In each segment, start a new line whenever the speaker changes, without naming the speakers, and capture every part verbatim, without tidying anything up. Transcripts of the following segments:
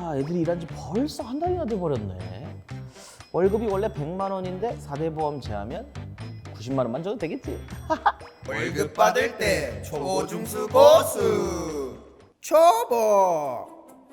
아, 애들이 일한 지 벌써 한 달이나 돼버렸네. 월급이 원래 백만 원인데 사 대 보험 제하면 구십만 원만 줘도 되겠지.
월급 받을 때 초보 중수 고수 초보.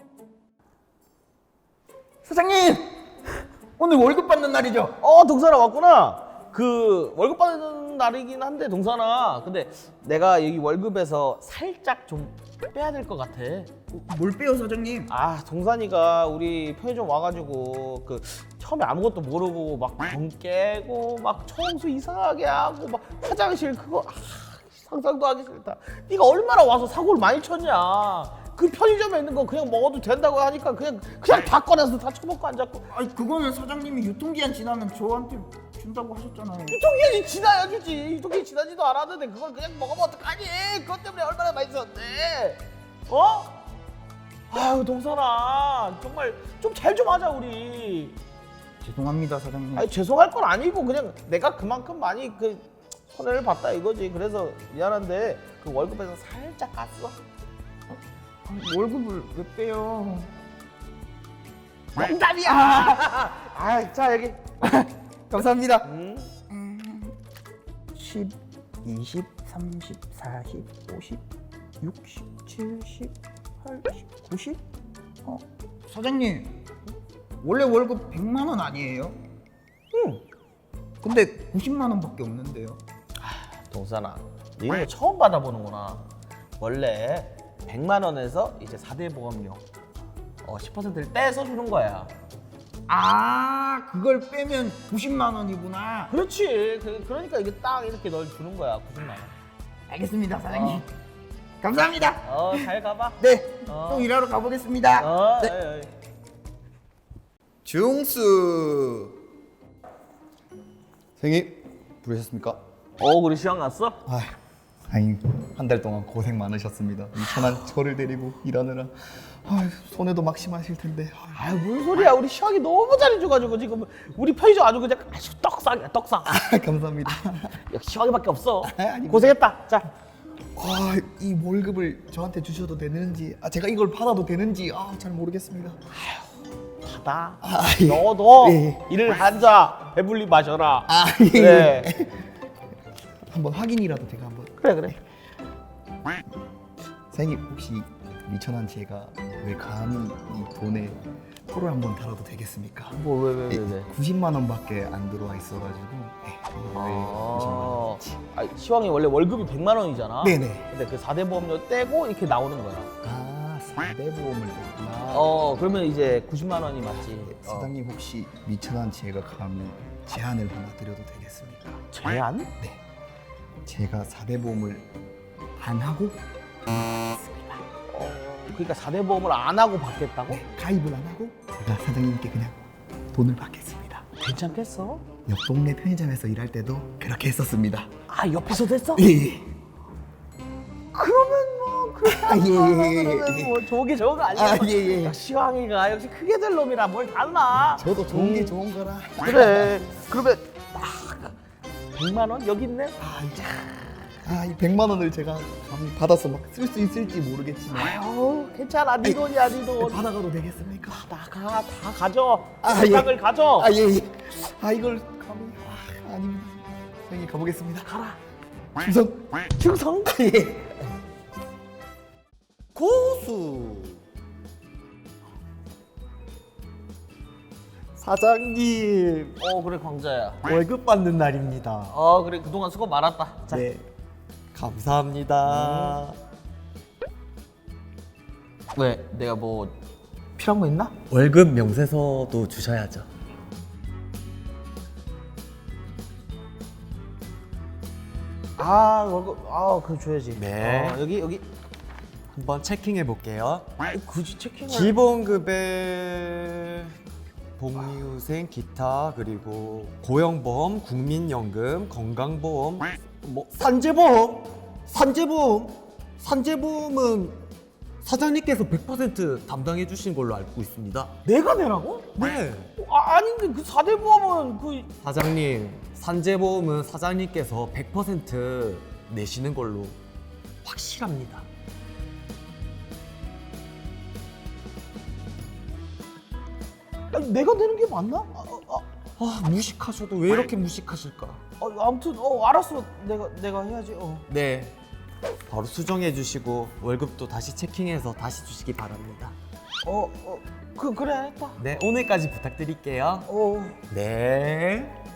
사장님, 오늘 월급 받는 날이죠?
어, 동산아 왔구나. 그 월급 받는 날이긴 한데 동산아, 근데 내가 여기 월급에서 살짝 좀 빼야 될 것 같아.
뭘 빼요, 사장님?
아, 동산이가 우리 편의점 와가지고 그 처음에 아무것도 모르고 막 정 깨고 막 청소 이상하게 하고 막 화장실 그거 아, 상상도 하기 싫다. 네가 얼마나 와서 사고를 많이 쳤냐. 그 편의점에 있는 거 그냥 먹어도 된다고 하니까 그냥 그냥 다 꺼내서 다 처먹고 앉았고.
아니, 그거는 사장님이 유통기한 지나면 저한테 준다고 하셨잖아요.
유통기한이 지나야 주지. 유통기한 지나지도 않았는데 그걸 그냥 먹으면 어떡하니. 그것 때문에 얼마나 많이 썼는데. 어? 아유, 동산아, 정말 좀 잘 좀 하자 우리.
죄송합니다, 사장님.
아니, 죄송할 건 아니고 그냥 내가 그만큼 많이 그 손해를 봤다 이거지. 그래서 미안한데 그 월급에서 살짝 깠어.
월급을 왜 빼요?
농담이야. 아, 자 여기.
감사합니다.
음.
십, 이십, 삼십, 사십, 오십, 육십, 칠십, 팔십, 구십? 어, 사장님, 원래 월급 백만 원 아니에요?
응.
근데 구십만 원밖에 없는데요.
동산아, 너 이런 거 처음 받아보는구나. 원래 백만 원에서 이제 사 대 보험료 어, 십 퍼센트를 떼서 주는 거야.
아, 그걸 빼면 구십만 원이구나.
그렇지. 그, 그러니까 이게 딱 이렇게 널 주는 거야. 구십만 원.
알겠습니다, 사장님.
어.
감사합니다.
어, 잘 가봐.
네,
어.
또 일하러 가보겠습니다.
어,
네.
어이, 어이.
중수 생일 부르셨습니까?
어, 우리 시험 갔어?
아, 아니 한 달 동안 고생 많으셨습니다. 이 천한 저를 데리고 일하느라 아, 손해도 막심하실 텐데. 아,
아유, 무슨 소리야. 우리 시험이 너무 잘해줘가지고 지금 우리 편의점 아주 그냥 아주 떡상이야, 떡상.
감사합니다.
역시 시험이밖에 없어.
아닙니다.
고생했다. 자,
아, 이 월급을 저한테 주셔도 되는지, 아, 제가 이걸 받아도 되는지 아, 잘 모르겠습니다.
받아.
아, 예.
너도
예.
일을 한자 배불리 마셔라.
아, 예.
그래.
한번 확인이라도 제가 한번.
그래, 그래.
사장님 혹시 미천한 제가 왜 감히 이 돈에 표를 한번 달아도 되겠습니까?
뭐, 왜, 왜, 왜, 왜.
구십만 원밖에 안 들어와 있어가지고 네, 구십만
아,
원치.
아, 시황이 원래 월급이 백만 원이잖아.
네네.
근데 그 사 대 보험료 떼고 이렇게 나오는 거야.
아, 사 대 보험을 냈구나.
어, 그러면 이제 구십만 원이 맞지. 어.
사장님 혹시 미천한 제가 감히 제안을 하나 드려도 되겠습니까?
제한?
네. 제가 사 대 보험을 안 하고
어, 그러니까 사 대 보험을 안 하고 받겠다고?
네, 가입을 안 하고 제가 사장님께 그냥 돈을 받겠습니다.
괜찮겠어?
옆 동네 편의점에서 일할 때도 그렇게 했었습니다.
아, 옆에서 됐어?
예.
그러면 뭐 그렇게
아, 예, 예, 예,
그러면
예.
뭐 좋게 좋은 거 아니야?
아, 예, 예.
역시 시황이가 역시 크게 될 놈이라 뭘 달라.
저도 좋은 게
음.
좋은 거라.
그래. 그러면 딱 백만 원 여기 있네.
아, 이- 아, 이 백만 원을 제가 감히 받아서 막 쓸 수 있을지 모르겠지만
아유, 괜찮아. 네 돈이야, 네 돈.
받아가도 되겠습니까?
나가, 다 가져.
아,
세상을
예.
가져.
아, 예, 예. 아, 이걸 감히 아, 아닙니다. 선생님 가보겠습니다.
가라.
충성.
충성.
예. 고수. 사장님,
어, 그래, 광자야.
월급 받는 날입니다.
어, 그래, 그동안 수고 많았다. 자,
네, 감사합니다.
왜? 내가 뭐 필요한 거 있나?
월급 명세서도 주셔야죠.
아, 월급, 아, 그거 줘야지.
네.
어, 여기, 여기.
한번 체킹해 볼게요.
아이, 굳이 체킹을.
기본급에 복리후생, 기타, 그리고 고용보험, 국민연금, 건강보험, 뭐 산재보험, 산재보험, 산재보험은 사장님께서 백 퍼센트 담당해 주신 걸로 알고 있습니다.
내가 내라고?
네.
아, 아닌데 그 사 대 보험은 그
사장님, 산재보험은 사장님께서 백 퍼센트 내시는 걸로 확실합니다.
아니, 내가 내는 게 맞나? 아, 아,
아, 무식하셔도 왜 이렇게 무식하실까?
아, 아무튼 어 알았어. 내가 내가 해야지. 어.
네, 바로 수정해 주시고 월급도 다시 체킹해서 다시 주시기 바랍니다.
어, 어, 그 그래 했다.
네, 오늘까지 부탁드릴게요.
어.
네.